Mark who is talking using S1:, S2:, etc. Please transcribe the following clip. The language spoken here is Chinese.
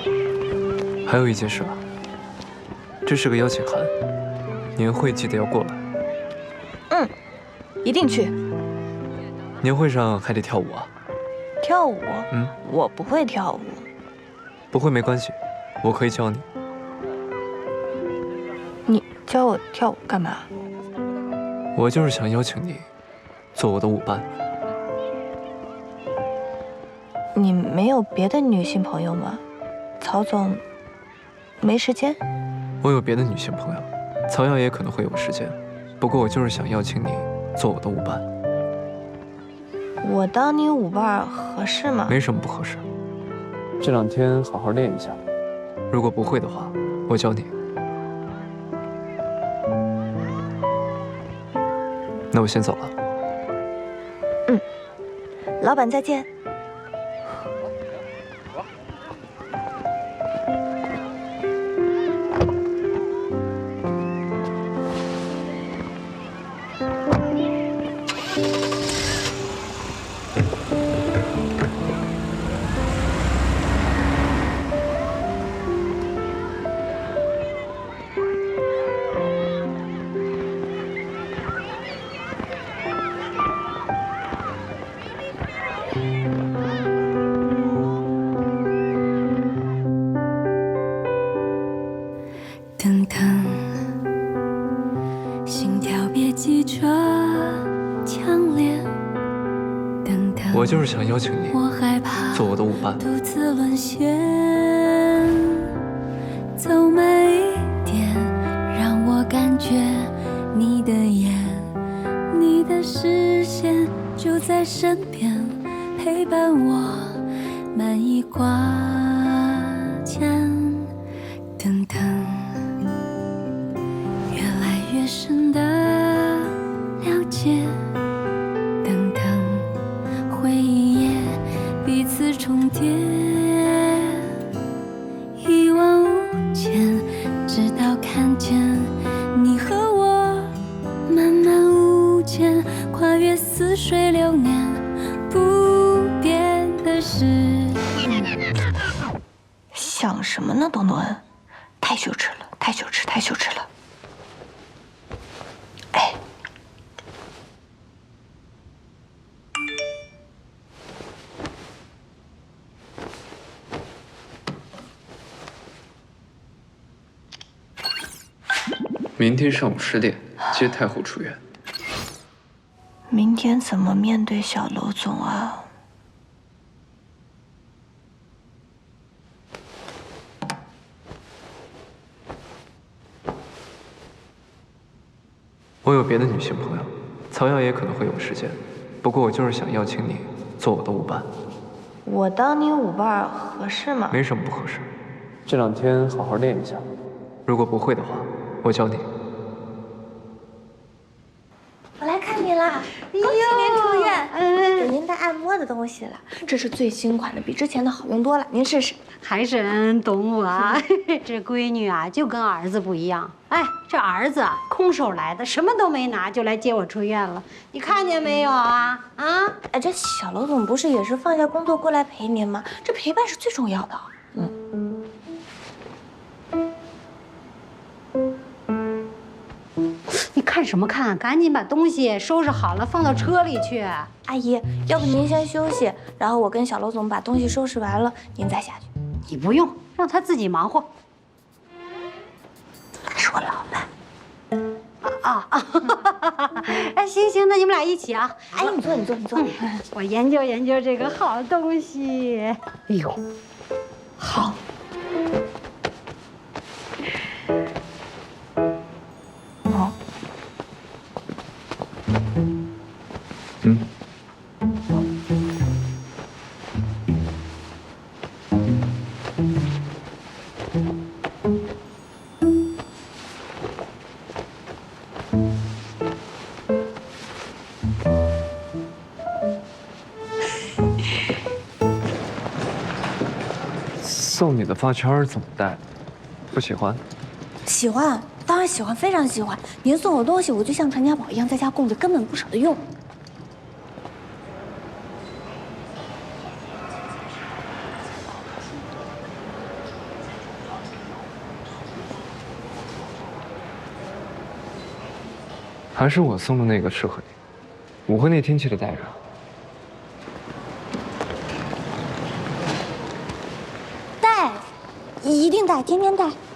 S1: 还有一件事啊，这是个邀请函，年会记得要过来。
S2: 嗯，一定去。
S1: 年会上还得跳舞啊。
S2: 跳舞？
S1: 嗯，
S2: 我不会跳舞。
S1: 不会没关系，我可以教你。
S2: 你教我跳舞干嘛？
S1: 我就是想邀请你做我的舞伴。
S2: 你没有别的女性朋友吗？曹总没时间？
S1: 我有别的女性朋友，曹瑶也可能会有时间，不过我就是想邀请你做我的舞伴。
S2: 我当你舞伴合适吗？
S1: 没什么不合适。这2天好好练一下，如果不会的话，我教你。那我先走了。
S2: 嗯，老板再见。
S3: 等等，心跳别急着强烈。等等，
S1: 我就是想邀请你
S3: 我害怕
S1: 做我的舞伴。
S3: 独自沦陷，走慢一点，让我感觉你的眼，你的视线就在身边，陪伴我慢一挂肩。等等，越来越深的了解。等等，回忆也彼此重叠，一往无前，直到看见你和我慢慢无间，跨越似水流年，不变的是。
S2: 想什么呢，东东恩？太羞耻了，太羞耻，太羞耻了！哎，
S1: 明天上午10点接太后出院。
S2: 明天怎么面对小楼总啊？
S1: 我有别的女性朋友，曹瑶也可能会有时间，不过我就是想邀请你做我的舞伴。
S2: 我当你舞伴合适吗？
S1: 没什么不合适。这2天好好练一下，如果不会的话，我教你。
S4: 我来看你啦！恭喜您出院，给您带按摩的东西了。这是最新款的，比之前的好用多了，您试试。
S5: 还真懂我啊！这闺女啊，就跟儿子不一样。哎，这儿子啊，空手来的，什么都没拿就来接我出院了，你看见没有啊？啊！
S4: 哎，这小楼总不是也是放下工作过来陪您吗？这陪伴是最重要的。
S5: 你看什么看？赶紧把东西收拾好了，放到车里去。
S4: 阿姨，要不您先休息，然后我跟小楼总把东西收拾完了，您再下去。
S5: 你不用，让他自己忙活。
S4: 他是我老板。
S5: 哎，行行，那你们俩一起啊。
S4: 阿姨，你坐，你坐，你坐。
S5: 我研究研究这个好东西。哎呦，好。
S2: 哦。
S1: 嗯。送你的发圈怎么戴？不喜欢？
S4: 喜欢，当然喜欢，非常喜欢。您送我东西，我就像传家宝一样在家供着，根本不舍得用。
S1: 还是我送的那个适合你。舞会那天记得带着。
S4: 带，一定带，天天带。